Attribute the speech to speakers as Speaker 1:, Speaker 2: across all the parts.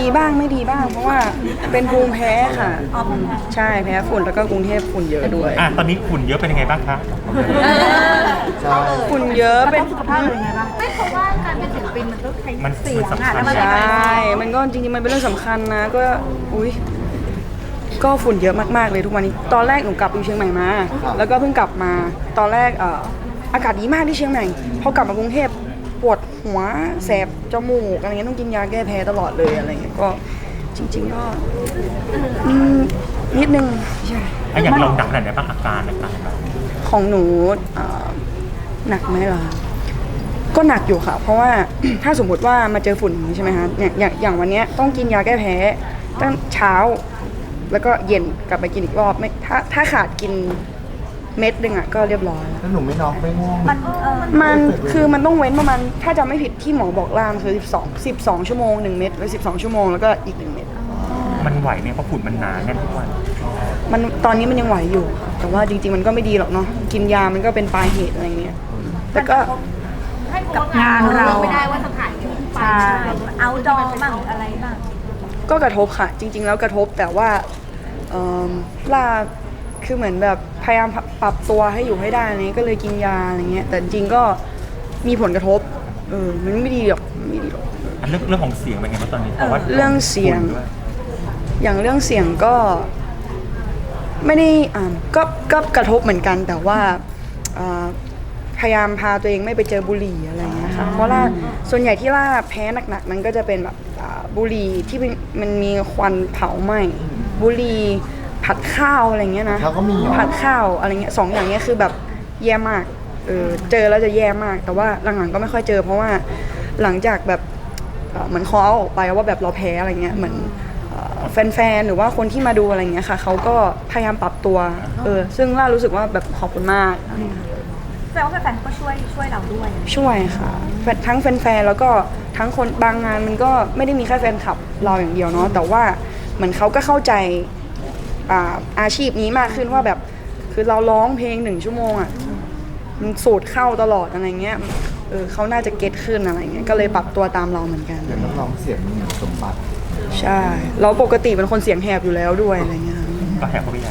Speaker 1: ดีบ้างไม่ดีบ้างเพราะว่าเป็นภูมิแพ้ค่ะใช่แพ้ฝุ่นแล้วก็กรุงเทพฝุ่นเยอะด้วย
Speaker 2: ตอนนี้ฝุ่นเยอะเป็นยังไงบ้างคะ
Speaker 1: ฝุ่นเยอะเป็น
Speaker 3: สุขภาพเลยไงบ้างไม่เพราะว่าการเป็นศิลปินมันต้องใช้เสียงอ่ะแล้วมัน
Speaker 1: ใช่มันก็จริงๆมันเป็นเรื่องสำคัญนะก็อุ้ยก็ฝุ่นเยอะมากๆเลยทุกวันนี้ตอนแรกหนูกลับอยู่เชียงใหม่มาแล้วก็เพิ่งกลับมาตอนแรกอากาศดีมากที่เชียงใหม่พอกลับมากรุงเทพปวดหัวแสบจมูกอะไรเงี้ยต้องกินยาแก้แพ้ตลอดเลยอะไรเงี้ยก็จริงๆก็นิดนึงใช่
Speaker 2: อย่างเราหนักขนาดไหนบ้างอาการต่างๆ
Speaker 1: ของหนูหนักไหมล่ะก็หนักอยู่ค่ะเพราะว่า ถ้าสมมติว่ามาเจอฝุ่นใช่ไหมคะอย่างวันนี้ต้องกินยาแก้แพ้ตั้งเช้าแล้วก็เย็นกลับไปกินอีกรอบไม่ถ้าขาดกินเม็ดนึงอ่ะก็เรียบร้อย
Speaker 4: แล้วหนูไม่น็อกไม่ง่วง
Speaker 1: มันคือมันต้องเว้นประมาณถ้าจำไม่ผิดที่หมอบอกล่ามคือ12ชั่วโมง1เม็ดแล้ว12ชั่วโมงแล้วก็อีก1เม็ด
Speaker 2: มันไหวไหมเพราะฝุ่นมันหนาแน่นทุกวัน
Speaker 1: มันตอนนี้มันยังไหวอยู่แต่ว่าจริงๆมันก็ไม่ดีหรอกเนาะกินยามันก็เป็นปลายเหตุอะไรเงี้ยแต่ก็
Speaker 3: กับงานเราไม่ได้ว่าสถานที่ไปเอาดอบ้างอะไรบ้าง
Speaker 1: ก็กระทบค่ะจริงๆแล้วกระทบแต่ว่าล่าคือเหมือนแบบพยายามปรับตัวให้อยู่ให้ได้อะไรก็เลยกินยาอะไรเงี้ยแต่จริงก็มีผลกระทบมันไม่ดีหรอกไม่ดีหรอก
Speaker 2: เรื่องของเสียงเป็นไงบ้างตอนนี้เพราะว่า
Speaker 1: เรื่องเสียงอย่างเรื่องเสียงก็ไม่ได้ก็กระทบเหมือนกันแต่ว่าพยายามพาตัวเองไม่ไปเจอบุหรี่อะไรเงี้ยค่ะเพราะว่าส่วนใหญ่ที่ล่าแพ้หนักๆมันก็จะเป็นแบบบุหรี่ที่มันมีควันเผาไหม้บุหรี่ผัดข้าวอะไรเงี้ยนะผัดข้าวอะไรเงี้ย2อย่างเงี้ยคือแบบแย่มากเจอแล้วจะแย่มากแต่ว่าหลังๆก็ไม่ค่อยเจอเพราะว่าหลังจากแบบเหมือนเขาเอาออกไปว่าแบบเราแพ้อะไรเงี้ยเหมือนแฟนๆหรือว่าคนที่มาดูอะไรเงี้ยค่ะเขาก็พยายามปรับตัวซึ่งล่ารู้สึกว่าแบบขอบคุณมาก
Speaker 3: แปลว่าแฟนๆก็ช่วยเราด้วย
Speaker 1: ช่วยค่ะทั้งแฟนๆแล้วก็ทั้งคนบางงานมันก็ไม่ได้มีแค่แฟนคลับเราอย่างเดียวเนาะแต่ว่าเหมือนเขาก็เข้าใจอาชีพนี้มากขึ้นว่าแบบคือเราร้องเพลง1 ชั่วโมงอ่ะมันสูดเข้าตลอดอะไรเงี้ยเขาน่าจะเก็ตขึ้นอะไรเงี้ยก็เลยปรับตัวตามเราเหมือนกัน
Speaker 4: เดี๋ยวนักร้องเสียงมีสมบัติ
Speaker 1: ใช่เราปกติเป็นคนเสียงแหบอยู่แล้วด้วยอะไรเงี้ย
Speaker 2: ก็แหบก็ไม่ใหญ่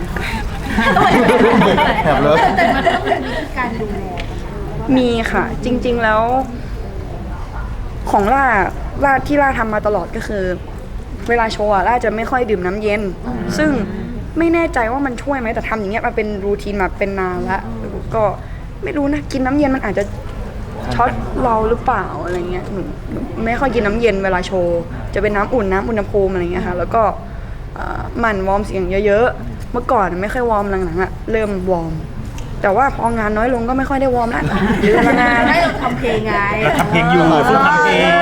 Speaker 4: แหบเลย
Speaker 3: แต่มันต้องมีการดูแล
Speaker 1: มีค่ะจริงๆแล้วของล่าที่ล่าทำมาตลอดก็คือเวลาโชว์ล่าจะไม่ค่อยดื่มน้ำเย็นซึ่งไม่แน่ใจว่ามันช่วยไหมแต่ทำอย่างเงี้ยมาเป็นรูทีนมาเป็นนานแล้วก็ไม่รู้นะกินน้ำเย็นมันอาจจะช็อตเราหรือเปล่าอะไรเงี้ยหนูไม่ค่อยกินน้ำเย็นเวลาโชว์จะเป็นน้ำอุ่นน้ำอุณหภูมิอะไรเงี้ยค่ะแล้วก็หมั่นวอร์มเสียงเยอะๆเมื่อก่อนไม่ค่อยวอร์มหลังๆเริ่มวอร์มแต่ว่าพองานน้อยลงก็ไม่ค่อยได้วอร์มแล้วหรือละงาน
Speaker 3: ให้เราทำเพลงไง
Speaker 2: เราทำเพลงอยู่ซึ่งทำเพลง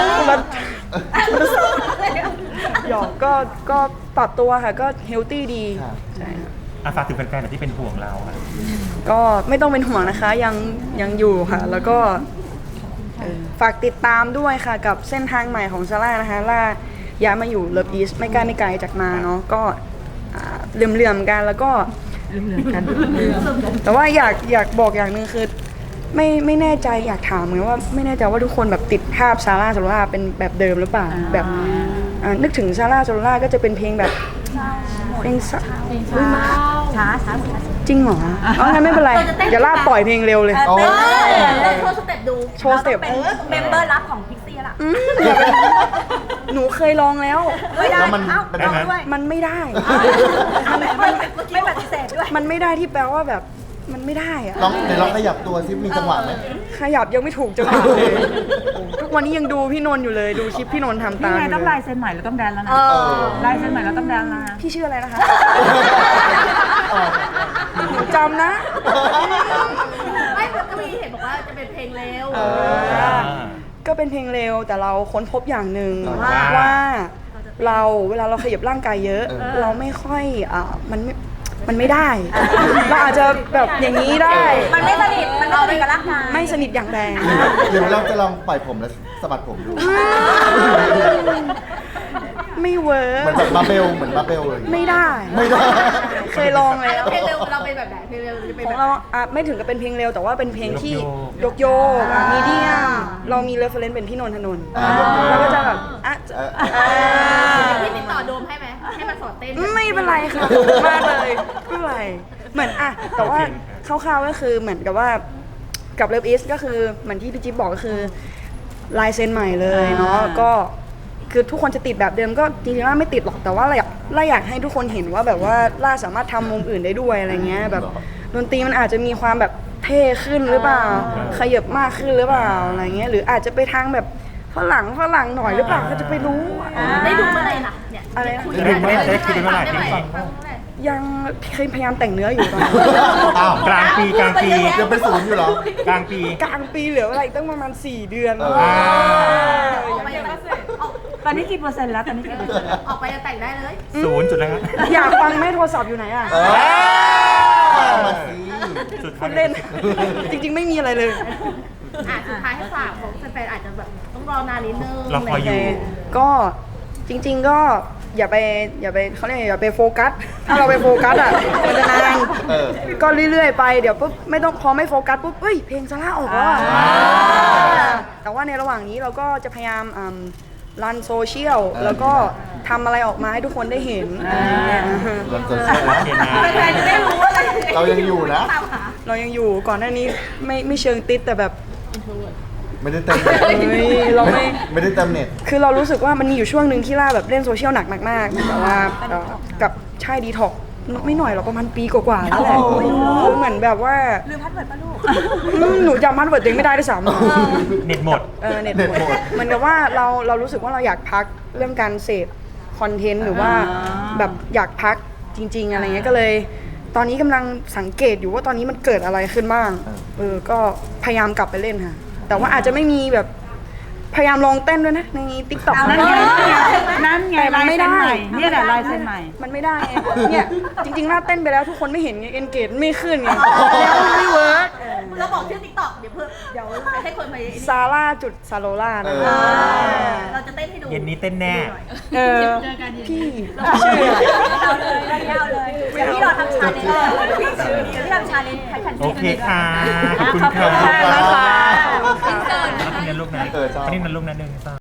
Speaker 1: หยอกก็ปรับตัวค่ะก็เฮลตี้ดีใช่
Speaker 2: ค่ะฝากถึงแฟนๆที่เป็นห่วงเราค่ะ
Speaker 1: ก็ไม่ต้องเป็นห่วงนะคะยังอยู่ค่ะแล้วก็ฝากติดตามด้วยค่ะกับเส้นทางใหม่ของซาร่านะคะล่าย้ายมาอยู่เลิฟอีสไม่ไกลจากมาเนาะก็เหลื่อมๆกันแล้วก็แต่ว่าอยากบอกอย่างนึงคือไม่แน่ใจอยากถามเหมือนว่าไม่แน่ใจว่าทุกคนแบบติดภาพซาร่าโซล่าเป็นแบบเดิมหรือเปล่าแบบนึกถึงซาร่าโซล่าก็จะเป็นเพลงแบบเพลงช้าจริงเหรองั้นไม่เป็นไรเดี๋ยวล่าปล่อยเพลงเร็วเลย
Speaker 3: โชว์สเต็ปดู
Speaker 1: โชว์สเต็ป
Speaker 3: เป็นเมมเบอร์ลับของพิกซี่ล่ะ
Speaker 1: หนูเคยลองแล้ว
Speaker 3: ไม่ได้
Speaker 1: มันไม่ได้
Speaker 3: ไม่ปฏิเสธด้วย
Speaker 1: มันไม่ได้ที่แปลว่าแบบมันไม่ได้อะ
Speaker 4: เดี๋ยวลองขยับตัวซิมีจังหวะไหม
Speaker 1: ขยับยังไม่ถูกจังหวะเลยทุกวันนี้ยังดูพี่นนท์อยู่เลยดูคลิปพี่นนท์ทำตาม
Speaker 5: นี่ไงต้องลายเซ็นใหม่แล้วต้องแดนแล้วนะลายเซ็นใหม่แล้วต้องแดนแล้วนะ
Speaker 1: พี่ชื่ออะไรนะคะจำนะ
Speaker 3: ไม่ก็มีเห็นบอกว่าจะเป็นเพลงเร็ว
Speaker 1: ก็เป็นเพลงเร็วแต่เราค้นพบอย่างหนึ่งว่าเราเวลาเราขยับร่างกายเยอะเราไม่ค่อยมันไม่ได้เราอาจจะแบบอย่างนี้ได้
Speaker 3: มันไม่สนิทมันเอาไปกับร่างกาย
Speaker 1: ไม่สนิทอย่างแรง
Speaker 4: เดี๋ยวเราจะลองปล่อยผมแล้วสะบัดผมดู
Speaker 1: ไม่ไหวเวิร์ก
Speaker 4: เหมือนแบบมาเบลเหมือนมาเบลเลย
Speaker 1: ไม่ได้
Speaker 4: ไม่ได้
Speaker 1: เคยลอง
Speaker 3: อ่ะ
Speaker 1: แล้
Speaker 3: แล้ว วเพลงเร็วเราเป็นแบบไหนเพลงเร็วจะเป็น
Speaker 1: ข
Speaker 3: แบ
Speaker 1: อง
Speaker 3: บ
Speaker 1: เราอ่ะไม่ถึงกับเป็นเพลงเร็วแต่ว่าเป็นเพลงที่ยกมีเดียมเรามีเรฟเฟรนซ์เป็นพี่นนทนนท์เราก็จะแบบอ่ะ
Speaker 3: พี่ติดต่อโดมให้ไหมให้มาสอนเต้น
Speaker 1: ไม่เป็นไรค่ะมากเลยไม่เป็นไรเหมือนอ่ะแต่ว่าคร่าวๆก็คือเหมือนกับว่ากับเลิฟอีสก็คือเหมือนที่พี่จิ๊บบอกก็คือลายเซ็นใหม่เลยเนาะก็คือทุกคนจะติดแบบเดิมก็จริงๆล่าไม่ติดหรอกแต่ว่าล่าอยากให้ทุกคนเห็นว่าแบบว่าล่าสามารถทำมุมอื่นได้ด้วยอะไรเงี้ยแบบดนตรีมันอาจจะมีความแบบเท่ขึ้นหรือเปล่าขยับมากขึ้นหรือเปล่าอะไรเงี้ยหรืออาจจะไปทางแบบฝรั่งหน่อยหรือเปล่าก็จะไปรู้
Speaker 3: ได้ดูเมื่อไหร่ล่ะเนี่ย
Speaker 1: อะไรนะ
Speaker 2: ได้ดูเมื่อไหร่ได้ดูเมื่อไหร่ได้ฟัง
Speaker 1: ยังพยายามแต่งเนื้ออยู่ตอนนี้
Speaker 4: อ้าว
Speaker 2: กลางปี
Speaker 4: ยังเป็นศูนย์อยู่เหรอ
Speaker 2: กลางปี
Speaker 1: กลางปีเหลืออะไรอีกตั้งประมาณ4 เดือน
Speaker 4: เออ
Speaker 3: ออกไปยังออก
Speaker 5: ตอนนี้กี่เปอร์เซ็นต์แล้วตอนนี้กี่เปอร์เซ็นต์แล้ว
Speaker 3: ออกไปจะแต่งได้เลย
Speaker 2: ศูนย์จุดแล้วครับ
Speaker 1: อยากฟังไหมโทรศัพท์อยู่ไหนอ่ะ
Speaker 4: เออมาสิ
Speaker 2: สุด
Speaker 1: พูดเล่น จริงๆไม่มีอะไรเลย
Speaker 3: สุดท้ายให้ฝากของแฟนๆอาจจะแบบต้องรอนานนิดนึง
Speaker 2: เราคอยอยู่
Speaker 1: ก็จริง ๆก็อย่าไปเขาเรียกอย่าไปโฟกัส ถ้าเราไปโฟกัสอ่ะมันจะนาน
Speaker 4: เออ
Speaker 1: ก็เรื่อยๆไปเดี๋ยวปุ๊บไม่ต้องพอไม่โฟกัสปุ๊บเฮ้ยเพลงซาร่าออกแล้วอะแต่ว่าในระหว่างนี้เราก็จะพยายามรันโซเชียลแล้วก็ทำอะไรออกมาให้ทุกคนได้เห็นอะไรอย่างเงี้ย
Speaker 4: เราจะเชื่อ
Speaker 2: โอเคนะ
Speaker 3: แฟนๆจะได้รู้ว่า
Speaker 4: เรายังอยู่นะ
Speaker 3: ตามหา
Speaker 1: เรายังอยู่ก่อนหน้านี้ไม่เชิงติดแต่แบบ
Speaker 4: ไม่ได้เต็มเน็ต
Speaker 1: เฮ้ยเราไม่
Speaker 4: ไม่ได้เต็มเน็ต
Speaker 1: คือเรารู้สึกว่ามันมีอยู่ช่วงหนึ่งที่ล่าแบบเล่นโซเชียลหนักมากๆแต่ว่ากับใช่ดีท็อกไม่หน่อยหรอกประมาณปีกว่าๆแล้วแหละคือเหมือนแบบว่า
Speaker 3: ลืมพัดเวิร์ดป่ะลูก
Speaker 1: หนูจำมันเวิร์ดตัวเองไม่ได้ด้วยซ้ำ
Speaker 2: เน็ตหมด
Speaker 1: เน็ต
Speaker 4: เน็ต
Speaker 1: ห
Speaker 4: ห
Speaker 1: ม
Speaker 4: ม
Speaker 1: ด
Speaker 4: ด
Speaker 1: เหมือนกับว่าเรารู้สึกว่าเราอยากพักเรื่องการเสพคอนเทนต์หรือว่าแบบอยากพักจริง ๆ อะไรเงี้ยก็เลย ตอนนี้กำลังสังเกตอยู่ว่าตอนนี้มันเกิดอะไรขึ้นบ้างก็พยายามกลับไปเล่นค่ะแต่ว่าอาจจะไม่มีแบบพยายามลองเต้นด้วยนะในติ๊กต็อก
Speaker 5: นั่นไงนั่นไง
Speaker 1: แต่มั
Speaker 5: ลาน ย
Speaker 1: ไม่
Speaker 5: เซ็น
Speaker 1: ได้
Speaker 5: ใหม่เนี่ยแหละลายเซ็นใหม่
Speaker 1: มันไม่ได้ไงเนี่ยจริงๆน่าเต้นไปแล้วทุกคนไม่เห็นไงเอนเกจไม่ขึ้นไงแล้วมันไม่เวิร์ก
Speaker 3: เราบอกชื่อติ๊กต็อกเดี๋ยวให้คนไป
Speaker 1: ซาร่าจุดซาโลล่านะ
Speaker 4: เออ
Speaker 3: เราจะเต้นให้ดู
Speaker 2: เย็นนี้เต้นแน่
Speaker 1: พี่
Speaker 3: ชื่อเอาเลยเดี๋ยวพี่รอทำชาเลนจ์เดี๋ยวพี่ทำชาเลนจ์ให้แฟนๆ
Speaker 2: โอเคค่ะ ขอบคุณ
Speaker 5: ขอบคุณ
Speaker 2: ค่ะ
Speaker 5: มากนะคะ
Speaker 2: อันนี้นะลูกนะ
Speaker 4: เออชอบ
Speaker 2: อันนี้นะลูกนะหนึ่งสอง